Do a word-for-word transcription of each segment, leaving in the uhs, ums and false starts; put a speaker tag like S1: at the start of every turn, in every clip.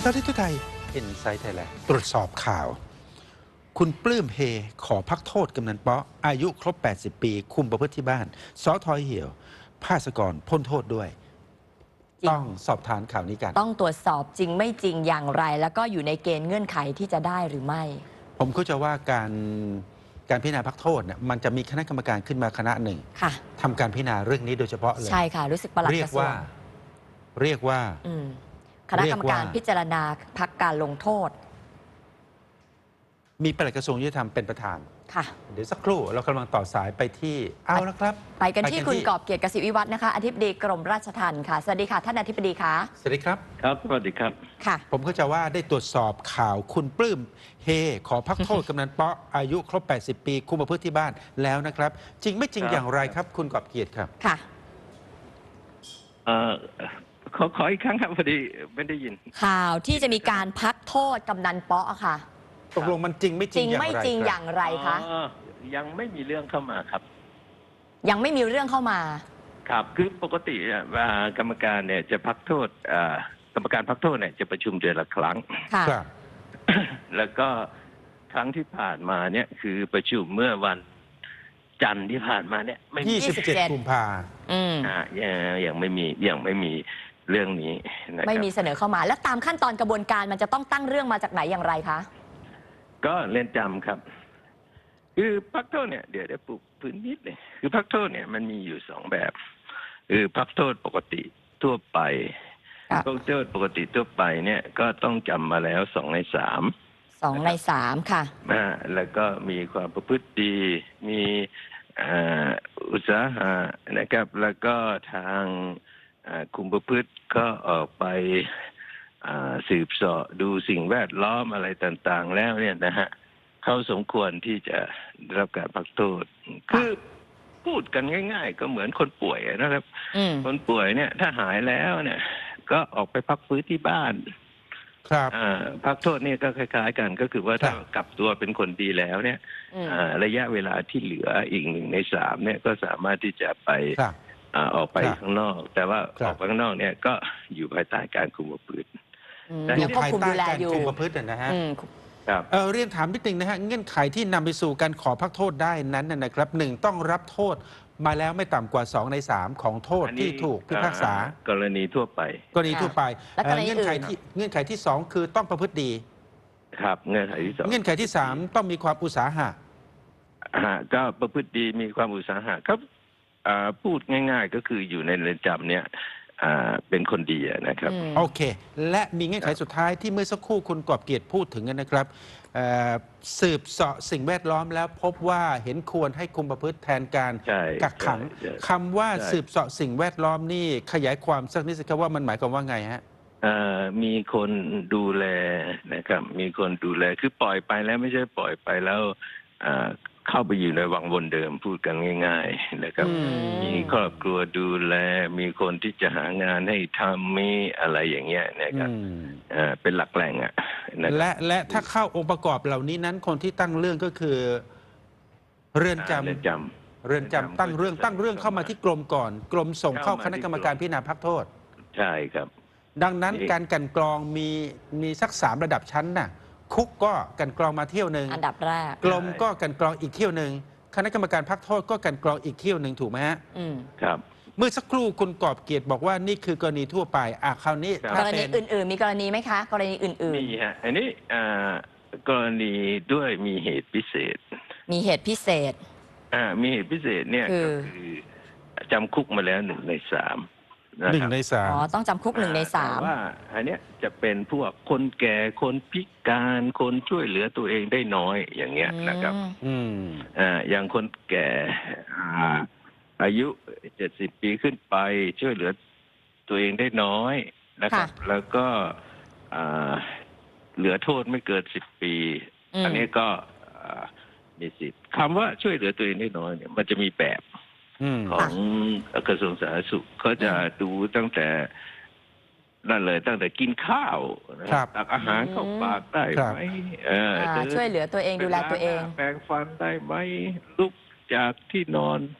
S1: ตอนที่ทุกไทยอินไซต์ไทยแลนด์ตรวจสอบข่าว คุณปลื้มเฮขอพักโทษกำนันเปาะอายุครบ แปดสิบ ปี คุมประพฤติที่บ้านสทเหี่ยวภาสกรพ้นโทษด้วย ต้องสอบทานข่าวนี้กัน
S2: ต้องตรวจสอบจริงไม่จริงอย่างไร แล้วก็อยู่ในเกณฑ์เงื่อนไขที่จะได้หรือไม่
S1: ผมเข้าใจว่าการการพิจารณาพักโทษเนี่ยมันจะมีคณะกรรมการขึ้นมาคณะหนึ่งทำการพิจารณาเรื่องนี้โดยเฉพาะเลย
S2: ใช่ค่ะรู้สึกประหลัด
S1: เรี
S2: ก
S1: ก
S2: ระทรว
S1: ว่าง เรียกว่า
S2: คณะกรรมการพิจารณาพักการลงโทษ
S1: มีปลัดกระทรวงยุติธรรมเป็นประธาน
S2: ค่ะ
S1: เดี๋ยวสักครู่เรากำลังต่อสายไปที่เอาละครับ
S2: ไปกันที่คุณกอบเกียรติกสิวิวัฒน์นะคะอธิบดีกรมราชทัณฑ์ค่ะสวัสดีค่ะท่านอธิบดีคะ
S1: สวัสดีครับ
S3: ครับสวัสดีครับ
S2: ค่ะ
S1: ผมเข้าใจว่าได้ตรวจสอบข่าวคุณปลื้มเฮขอพักโทษ กำนันเปาะอายุครบ แปดสิบ ปีคุมประพฤติที่บ้านแล้วนะครับจริงไม่จริงอย่างไรครับคุณกอบเกียรติครับ
S2: ค่ะ
S3: เอ่อขอขออีกครั้งครับพอดีไม่ได้ยิน
S2: ข่าวที่จะมีการพักโทษกำนันเปาะค่ะ
S1: ตกลงมันจริงไม่จ
S2: จ
S1: ริ
S2: ริ
S1: ง
S2: ง
S1: อย่างไร
S2: ไม่จริงอย่างไรคะ
S3: ยังไม่มีเรื่องเข้ามาครับ
S2: ยังไม่มีเรื่องเข้ามา
S3: ครับคือปกติกรรมการเนี่ยจะพักโทษกรรมการพักโทษเนี่ยจะประชุมเดือนละครั้ง
S2: ค่ะ
S3: แล้วก็ครั้งที่ผ่านมาเนี่ยคือประชุมเมื่อวันจันทร์ที่ผ่านมาเนี่ยไม่
S1: ยี่สิบเจ็ดกุมภา
S3: อืมอ่ายังไม่มียังไม่มีเรื่องนี้นะครับ
S2: ไม่มีเสนอเข้ามาแล้วตามขั้นตอนกระบวนการมันจะต้องตั้งเรื่องมาจากไหนอย่างไรคะ
S3: ก็เรือนจำครับคือพักโทษเนี่ยเดี๋ยวเดี๋ยวปลูกพื้นนิดเลยคือพักโทษเนี่ยมันมีอยู่สองแบบคือพักโทษปกติทั่วไปพักโทษปกติทั่วไปเนี่ยก็ต้องจำมาแล้วสองในสาม
S2: สองในสามค่ะ
S3: อ่าแล้วก็มีความประพฤติดีมีอุตสาหะนะครับแล้วก็ทางคุมประพฤติก็ออกไปสืบเสาะดูสิ่งแวดล้อมอะไรต่างๆแล้วเนี่ยนะฮะเขาสมควรที่จะได้รับการพักโทษคือพูดกันง่ายๆก็เหมือนคนป่วยนะครับคนป่วยเนี่ยถ้าหายแล้วเนี่ยก็ออกไปพักฟื้นที่บ้าน
S1: ครับ
S3: พักโทษนี่ก็คล้ายๆกันก็คือว่าถ้ากลับตัวเป็นคนดีแล้วเนี่ยระยะเวลาที่เหลืออีกหนึ่งในสามเนี่ยก็สามารถที่จะไปออกไปข้างนอกแต่ว่าออกไปข้างนอกเนี่ยก็อยู่ภายใต้การคุมประพฤติ
S1: อยู่ภายใต้การคุมประพฤตินะฮะเออเรียนถามนิดนึงนะฮะเงื่อนไขที่นำไปสู่การขอพักโทษได้นั้นนะครับหนึ่งต้องรับโทษมาแล้วไม่ต่ำกว่าสองในสามของโทษที่ถูกพิพากษาก
S3: รณีทั่วไป
S1: กรณีทั่วไปเงื่อนไขที่เงื่อนไขที่สองคือต้องประพฤติดี
S3: ครับเงื่อนไขที่สอง
S1: เงื่อนไขที่สามต้องมีความอุตสาหะ
S3: ก็ประพฤติดีมีความอุตสาหะครับพูดง่ายๆก็คืออยู่ในเรือนจำเนี่ยเป็นคนดีนะครับ
S1: โอเคและมีเงื่อนไขสุดท้ายที่เมื่อสักครู่คุณกอบเกียรติพูดถึงนะครับสืบเสาะสิ่งแวดล้อมแล้วพบว่าเห็นควรให้คุมประพฤติแทนการกักขังคำว่าสืบเสาะสิ่งแวดล้อมนี่ขยายความสักนิดสิครับว่ามันหมายความว่าไงฮะ
S3: มีคนดูแลนะครับมีคนดูแลคือปล่อยไปแล้วไม่ใช่ปล่อยไปแล้วเข้าไปอยู่ในวังวนเดิมพูดกันง่ายๆนะครับมีครอบครัวดูแลมีคนที่จะหางานให้ทำมีอะไรอย่างเงี้ยนะครับเป็นหลักแหล่งอ่ะ
S1: และและถ้าเข้าองค์ประกอบเหล่านี้นั้นคนที่ตั้งเรื่องก็คือเรือนจำเรือนจำเรือนจำตั้งเรื่องตั้งเรื่องเข้ามาที่กรมก่อนกรมส่งเข้าคณะกรรมการพิจารณาพักโทษ
S3: ใช่ครับ
S1: ดังนั้นการกันกรองมีมีสักสามระดับชั้นน่ะคุกก็กันกรองมาเที่ยวหนึ่ง
S2: อันดับแรก
S1: กรมก็กันกรองอีกเที่ยวหนึ่งคณะกรรมการพักโทษก็กันกรองอีกเที่ยวหนึ่งถูกไหมฮะ
S3: ครับ
S1: เมื่อสักครู่คุณกอบเกียรติบอกว่านี่คือกรณีทั่วไปอ่ะคราวนี้
S2: กรณีอื่นๆมีกรณีไหมคะกรณีอื่น
S3: ๆมีฮะอันนี้กรณีด้วยมีเหตุพิเศษ
S2: มีเหตุพิเศษ
S3: อ่ามีเหตุพิเศษเนี่ยก็คือจำคุกมาแล้วหนึ่งในสาม
S1: หนึ่งในสาม
S2: อ๋อต้องจำคุกหนึ่งในสาม
S3: ว่าอันเนี้ยจะเป็นพวกคนแก่คนพิการคนช่วยเหลือตัวเองได้น้อยอย่างเงี้ยนะครับ
S1: อืม
S3: อ่าอย่างคนแก่อ่าอายุเจ็ดสิบปีขึ้นไปช่วยเหลือตัวเองได้น้อยนะครับแล้วก็เหลือโทษไม่เกินสิบปีอันนี้ก็มีสิทธิ์คำว่าช่วยเหลือตัวเองได้น้อยเนี่ยมันจะมีแบบของกระทรวงสาธารณสุขเขาจะดูตั้งแต่นั่นเลยตั้งแต่กินข้าวตักอาหารเข้าปากได้ไหม
S2: ช่วยเหลือตัวเองดูแลตัวเอง
S3: แปรงฟันได้ไหมลุกจากที่นอน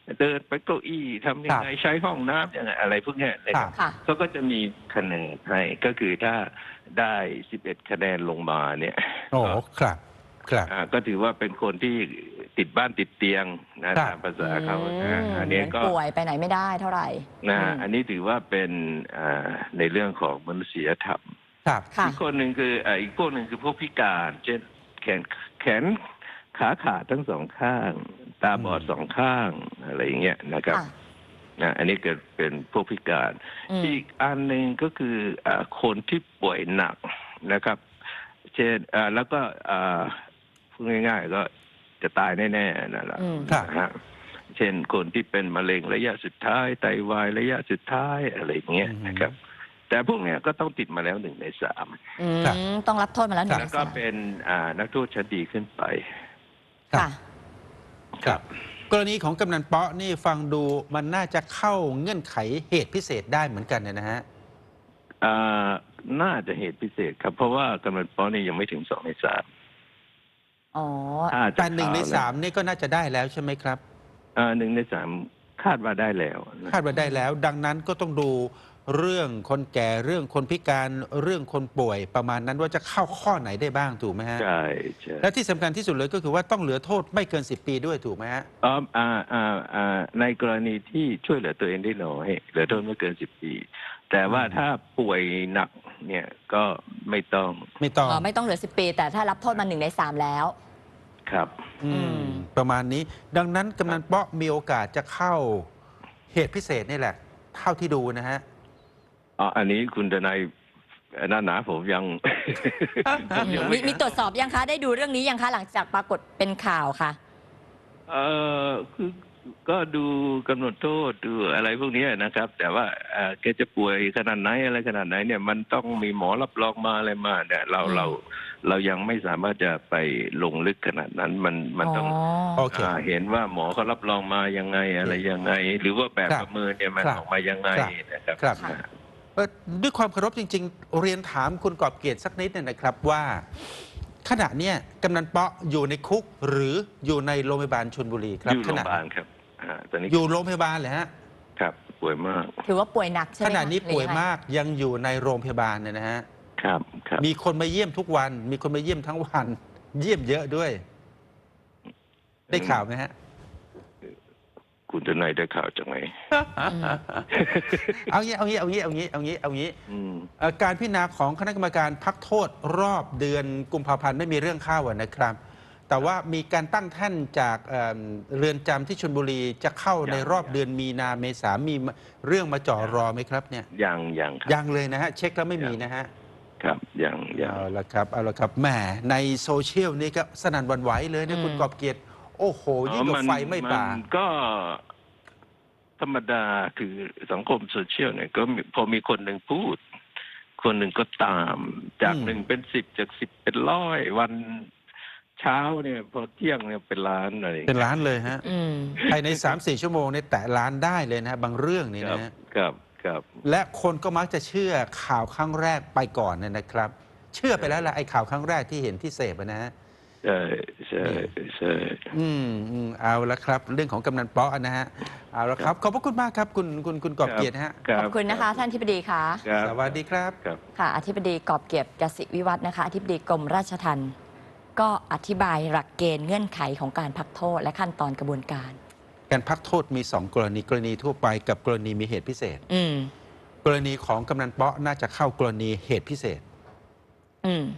S3: เดินไปเก้าอี้ทำยังไงใช้ห้องน้ำยังไงอะไรพวกเนี้ยนะครับ
S2: ค่ะ
S3: เขาก็จะมีคะแนนให้ก็คือถ้าได้สิบเอ็ดคะแนนลงมาเนี่ย
S1: โอ้ครับครับ
S3: อ่าก็ถือว่าเป็นคนที่ติดบ้านติดเตียงนะครับ ตามภาษาเขา
S2: อื
S3: นะ
S2: ม
S3: อัน
S2: เห
S3: นี้
S2: มือน
S3: ก็
S2: ป่วยไปไหนไม่ได้เท่าไหร่
S3: นะ
S2: อืม
S3: อันนี้ถือว่าเป็นอ่าในเรื่องของมนุษยธรรม
S1: ครับ
S2: ค่ะ
S3: อีกคนหนึ่งคืออ่าอีกพวกหนึ่งคือพวกพิการ เช่นแขนแขนขาขาดทั้งสองข้าง ตาบอด
S1: อืม
S3: สองข้างอะไรอย่างเงี้ยนะครับ
S2: ค่ะ
S3: นะอันนี้เกิดเป็นพวกพิการ
S2: อืม
S3: อีกอันหนึ่งก็คืออ่าคนที่ป่วยหนักนะครับ เช่นอ่าแล้วก็อ่าพูดง่ายๆก็จะตายแน่ๆนั่นแหละ
S2: อืม
S1: ครับ
S3: นะฮะเช่นคนที่เป็นมะเร็งระยะสุดท้ายไตวายระยะสุดท้ายอะไรอย่างเงี้ยนะครับ แต่พวกเนี้ยก็ต้องติดมาแล้วหนึ่งในสาม
S2: อืม
S1: ครับ
S2: ต้องรับโทษมาแล้วหนึ่ง
S3: แล้
S2: ใน
S3: วก็
S2: สาม
S3: เป็นอ่านักโทษชั้นดีขึ้นไป
S2: ค่ะ
S1: ครับ กรณีของกำนันเปาะนี่ฟังดูมันน่าจะเข้าเงื่อนไขเหตุพิเศษได้เหมือนกันเนยนะฮะ
S3: อ่าน่าจะเหตุพิเศษครับ เพราะว่ากำนันป้อนี่ยังไม่ถึงสองในสาม
S2: อ๋อ
S3: ถ้าจะ
S1: แต่หนึ่งใน
S3: เข้
S1: สามนี่ก็น่าจะได้แล้วใช่ไหมครับ
S3: อ่าหนึ่งในสามคาดว่าได้แล้วนะ
S1: คาดว่าได้แล้ว ดังนั้นก็ต้องดูเรื่องคนแก่เรื่องคนพิการเรื่องคนป่วยประมาณนั้นว่าจะเข้าข้อไหนได้บ้างถูกไหมฮะ
S3: ใช่ใช่
S1: และที่สำคัญที่สุดเลยก็คือว่าต้องเหลือโทษไม่เกินสิบปีด้วยถูกไหมฮะ
S3: อ๋ออ่าอ่าอ่าในกรณีที่ช่วยเหลือตัวเองได้น้อยเหลือโทษไม่เกินสิบปี แต่ว่า
S1: อืม
S3: ถ้าป่วยหนักเนี่ยก็ไม่ต้อง
S1: ไม่ต้อง
S2: อ๋อ ไม่ต้องเหลือสิบปี แต่ถ้ารับโทษมาหนึ่งในสามแล้ว
S3: ครับ
S1: อืม
S2: อืม
S1: ประมาณนี้ ดังนั้นกำนันเปาะมีโอกาสจะเข้าเหตุพิเศษนี่แหละ เท่าที่ดูนะฮะ
S3: อ๋ออันนี้คุณทนายหน้าหนาผมยัง ผมยัง
S2: มี
S3: ไม่
S2: มีตรวจสอบยังคะ ได้ดูเรื่องนี้ยังคะ หลังจากปรากฏเป็นข่าวค่ะ
S3: เออคือก็ดูกำหนดโทษดูอะไรพวกนี้นะครับ แต่ว่าเอ่อแกจะป่วยขนาดไหนอะไรขนาดไหนเนี่ยมันต้องมีหมอรับรองมาอะไรมาเนี่ยเรา
S2: อืม
S3: เราเรายังไม่สามารถจะไปลงลึกขนาดนั้นมันมัน
S2: อ๋อ
S3: ต้อง
S1: โอเค
S3: อ่าเห็นว่าหมอเขารับรองมายังไงอะไรยังไง หรือว่าแบบ
S1: ครับ
S3: ประเมินเนี่ยมัน
S1: ครับ
S3: ออกมายังไง
S1: ครับ
S3: นะครับ
S1: ครับ
S2: ค่ะ
S1: เอ่อด้วยความเคารพจริง ๆ เรียนถามคุณกอบเกียรติสักนิดหนึงนะครับว่าขณะเนี้ยกำนันเปาะอยู่ในคุกหรืออยู่ในโรงพยาบาลชลบุรีครับ
S3: อยู่
S1: ข
S3: โรงพ
S1: ณะ
S3: ยาบาลครับอ่าตอนนี้
S1: อยู่โรงพยาบาลเลยฮะ
S3: ครับป่วยมาก
S2: ถือว่าป่วยหนักใช่ไห
S1: ข
S2: มคะ
S1: ณะนี้ป่วย
S2: หรือยังไง
S1: มากยังอยู่ในโรงพยาบาลเนี่ยนะฮะ
S3: ครับครับ
S1: มีคนมาเยี่ยมทุกวัน มีคนมาเยี่ยมทั้งวัน เยี่ยมเยอะด้วย ได้ข่าวไหมฮะ
S3: คุณทนายได้ข่าวจากไหน
S2: อืม
S1: เอางี้เอางี้เอางี้เอางี้เอางี้เอางี้
S3: อืม
S1: เอ่อการพิจารณาของคณะกรรมการพักโทษรอบเดือนกุมภาพันธ์ไม่มีเรื่องเข้าอะนะครับ แต่ว่ามีการตั้งแท่านจากเอ่อเรือนจำที่ชลบุรีจะเข้าในรอบเดือนมีนาเมษามีเรื่องมาจ่อรอไหมครับเนี่ย
S3: ยังยังครับ
S1: ยังเลยนะฮะเช็คแล้วไม่มีนะฮะ
S3: ครับยังยัง
S1: เอาละครับเอาละครับแหมในโซเชียลนี่ก็สนั่นหวันไหวเลยนะ
S2: อืม
S1: คุณกอบเกียรติโอ้โหยิ่งกว่าไฟไม่ป่า
S3: นก็ธรรมดาคือสังคมโซเชียลเนี่ยก็มีพอมีคนหนึ่งพูด คนหนึ่งก็ตาม จาก
S1: อืม
S3: หนึ่งเป็นสิบจากสิบเป็นร้อยวันเช้าเนี่ย พอเที่ยงเนี่ยเป็นล้านอะไรอย่าง
S1: เป็น
S3: เงี้ย
S1: ล้านเลยฮะ
S2: อืม
S1: ภายใน สามสี่ ชั่วโมงเนี่ยแตะล้านได้เลยนะฮะบางเรื่องนี่
S3: ครับ
S1: นะฮะ
S3: ครับครับ
S1: และคนก็มักจะเชื่อข่าวครั้งแรกไปก่อนเนยนะครับ เชื่อไปแล้วล่ะไอ้ข่าวครั้งแรกที่เห็นที่เสพอะนะฮะ
S3: ใช่ใช่ใช่
S1: อืมอืมเอาละครับ เรื่องของกำนันเปาะนะฮะเอาละครับ ขอบพระคุณมากครับ คุณคุณคุณกอบเกียรตินะฮะ
S3: รั
S2: ขอบคุณนะคะ ท่านอธิบดีคะ
S3: ครับ
S1: สวัสดีครับ
S3: ครับ
S2: ค่ะ อธิบดีกอบเกียรติกสิวิวัฒน์นะคะ อธิบดีกรมราชทัณฑ์ก็อธิบายหลักเกณฑ์เงื่อนไขของการพักโทษและขั้นตอนกระบวนการ
S1: การพักโทษมีสองกรณีกรณีทั่วไปกับกรณีมีเหตุพิเศษ
S2: อืม
S1: กรณีของกำนันเปาะน่าจะเข้ากรณีเหตุพิเศษ
S2: อืม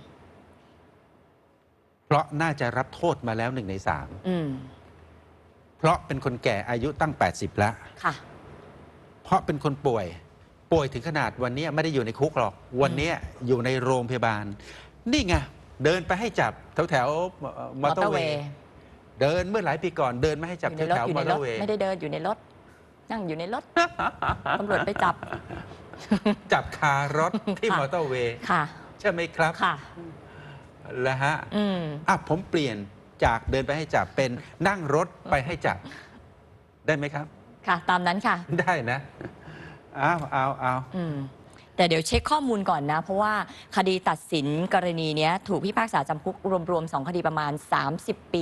S1: เพราะน่าจะรับโทษมาแล้วหนึ่งในสาม
S2: อืม
S1: เพราะเป็นคนแก่อายุตั้ง แปดสิบ แล้ว
S2: ค่ะ
S1: เพราะเป็นคนป่วย ป่วยถึงขนาดวันนี้ไม่ได้อยู่ในคุกหรอก วันนี้อยู่ในโรงพยาบาล นี่ไง เดินไปให้จับแถวแถวมอเตอร์เวย์ เดินเมื่อหลายปีก่อนเดินไม่ให้จับ
S2: อ
S1: แถ
S2: ยู่
S1: ว
S2: ในรถ
S1: แถว
S2: อยู่
S1: มอ
S2: ใน
S1: เต
S2: ร
S1: อ
S2: ถ
S1: ร์เวย์
S2: ไม่ได้เดินอยู่ในรถ นั่งอยู่ในรถ ตำรวจไปจับ
S1: จับคารถที่
S2: ค่ะ
S1: มอเตอร์เวย์
S2: ค่ะ
S1: ใช่ไหมครับ
S2: ค่ะ
S1: แล้วฮะ
S2: อืม
S1: อ่ะผมเปลี่ยนจากเดินไปให้จับเป็นนั่งรถไปให้จับ ได้ไหมครับ
S2: ค่ะ ตามนั้นค่ะ ได้
S1: ได้นะเอาเอาเอา
S2: อืม แต่เดี๋ยวเช็คข้อมูลก่อนนะ เพราะว่าคดีตัดสินกรณีเนี้ยถูกพิพากษาจำคุกรวมๆสองคดีประมาณ สามสิบ ปี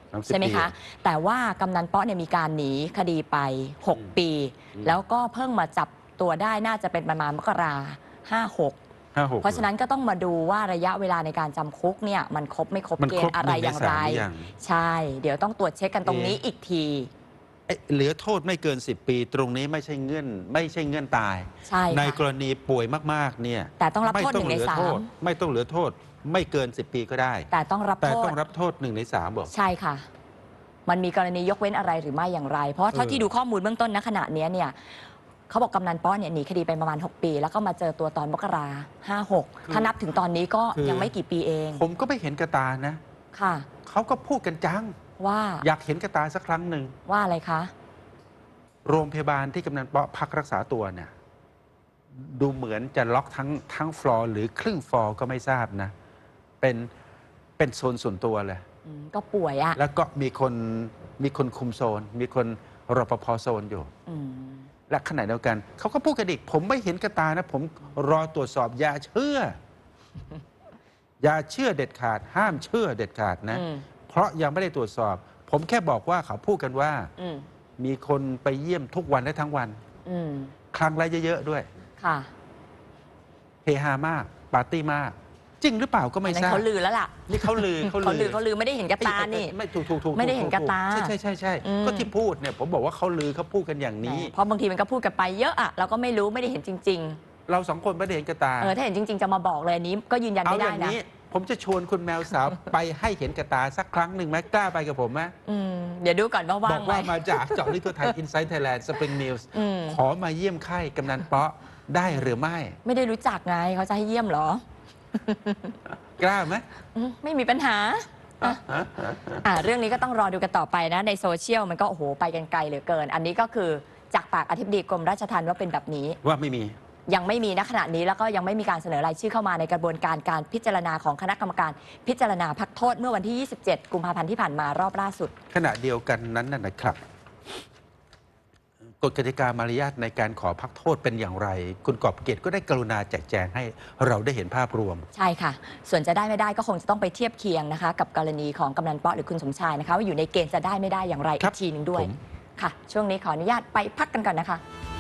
S2: ใช่ไหมคะแต่ว่ากำนันเปาะเนี่ยมีการหนีคดีไปหกปีแล้วก็เพิ่งมาจับตัวได้น่าจะเป็นประมาณมกราห้าหกเพราะฉะนั้นก็ต้องมาดูว่าระยะเวลาในการจำคุกเนี่ยมันครบไม่ครบเกณฑ์อะไรอย่างไรใช่เดี๋ยวต้องตรวจเช็คกันตรงนี้อีกที
S1: เหลือโทษไม่เกินสิบปีตรงนี้ไม่ใช่เงื่อนไม่ใช่เงื่อนตาย
S2: ใช่
S1: ในกรณีป่วยมากๆเนี่ย
S2: แต่ต้องรับโทษหนึ่งในสาม
S1: ไม่ต้องเหลือโทษไม่เกินสิบปีก็ได้
S2: แต่ต้องรับ
S1: แต่ต้องรับโทษหนึ่งในสามบอก
S2: ใช่ค่ะมันมีกรณียกเว้นอะไรหรือไม่อย่างไรเพราะเท่าที่ดูข้อมูลเบื้องต้นณขณะนี้เนี่ยเขาบอกกำนันป้อเนี่ยหนีคดีไปประมาณหกปีแล้วก็มาเจอตัวตอนมกราห้าหกถ้านับถึงตอนนี้ก็ยังไม่กี่ปีเอง
S1: ผมก็ไม่เห็นกระตานะ
S2: ค่ะ
S1: เขาก็พูดกันจัง
S2: ว่า
S1: อยากเห็นกระตาสักครั้งหนึ่ง
S2: ว่าอะไรคะ
S1: โรงพยาบาลที่กำนันป้อพักรักษาตัวเนี่ยดูเหมือนจะล็อกทั้งทั้งฟลอร์หรือครึ่งฟลอร์ก็ไม่ทราบนะเป็นเป็นโซนส่วนตัวเลย
S2: ก็ป่วยอะ
S1: แล้วก็มีคนมีคนคุมโซน มีคนรปภโซนอยู่และขณะเดียวกันเขาก็พูดกันอีกผมไม่เห็นกระตานะผมรอตรวจสอบอย่าเชื่อ อย่าเชื่อเด็ดขาดห้ามเชื่อเด็ดขาดนะเพราะยังไม่ได้ตรวจสอบ ผมแค่บอกว่าเขาพูดกันว่ามีคนไปเยี่ยมทุกวันและทั้งวันครั้งละเยอะๆด้วย
S2: ค่ะ
S1: เฮฮามากปาร์ตี้มากจริงหรือเปล่าก็ไม่ทราบ
S2: เขาลือแล้วล่ะ
S1: นี่เขาลือ
S2: เขาลือเขาลือไม่ได้เห็นกระตานี่
S1: ไม่ถูกถูกถูก
S2: ไม่ได้เห็นกระตา
S1: ใช่ใช่ใช่ใช่ก็ที่พูดเนี่ยผมบอกว่าเขาลือเขาพูดกันอย่างนี้
S2: เพราะบางทีมันก็พูดกันไปเยอะอะเราก็ไม่รู้ไม่ได้เห็นจริง
S1: ๆเราสองคนไม่ได้เห็นกระตา
S2: เออถ้าเห็นจริงๆจะมาบอกเลยอันนี้ก็ยืนยันไม่ได้นะ
S1: ผมจะชวนคุณแมวสาวไปให้เห็นกระตาสักครั้งหนึ่งไหมกล้าไปกับผมไหม
S2: เดี๋ยวดูก่อนว่าว่างไหม
S1: บอกว่ามาจากเจาะลึกทั่วไทย Inside Thailand Spring News ขอมาเยี่ยมไข้กำนันเปาะได้หรือไม่
S2: ไม่ได้รู้จักไงเขาจะให้เยี่ยมเหร
S1: อกล้าไหม
S2: ไม่มีปัญหาอ่าเรื่องนี้ก็ต้องรอดูกันต่อไปนะในโซเชียลมันก็โอ้โหไปกันไกลเหลือเกินอันนี้ก็คือจากปากอธิบดีกรมราชทัณฑ์ว่าเป็นแบบนี้
S1: ว่าไม่มี
S2: ยังไม่มีณขณะนี้แล้วก็ยังไม่มีการเสนอรายชื่อเข้ามาในกระบวนการการพิจารณาของคณะกรรมการพิจารณาพักโทษเมื่อวันที่ ยี่สิบเจ็ด กุมภาพันธ์ที่ผ่านมารอบล่าสุด
S1: ขณะเดียวกันนั้นนะครับกฎกติกามารยาทในการขอพักโทษเป็นอย่างไรคุณกอบเกียรติก็ได้กรุณาแจกแจงให้เราได้เห็นภาพรวม
S2: ใช่ค่ะส่วนจะได้ไม่ได้ก็คงจะต้องไปเทียบเคียงนะคะกับกรณีของกำนันเปาะหรือคุณสมชายนะคะว่าอยู่ในเกณฑ์จะได้ไม่ได้อย่างไรอีกทีหนึ่งด้วยค่ะช่วงนี้ขออนุญาตไปพักกันก่อนนะคะ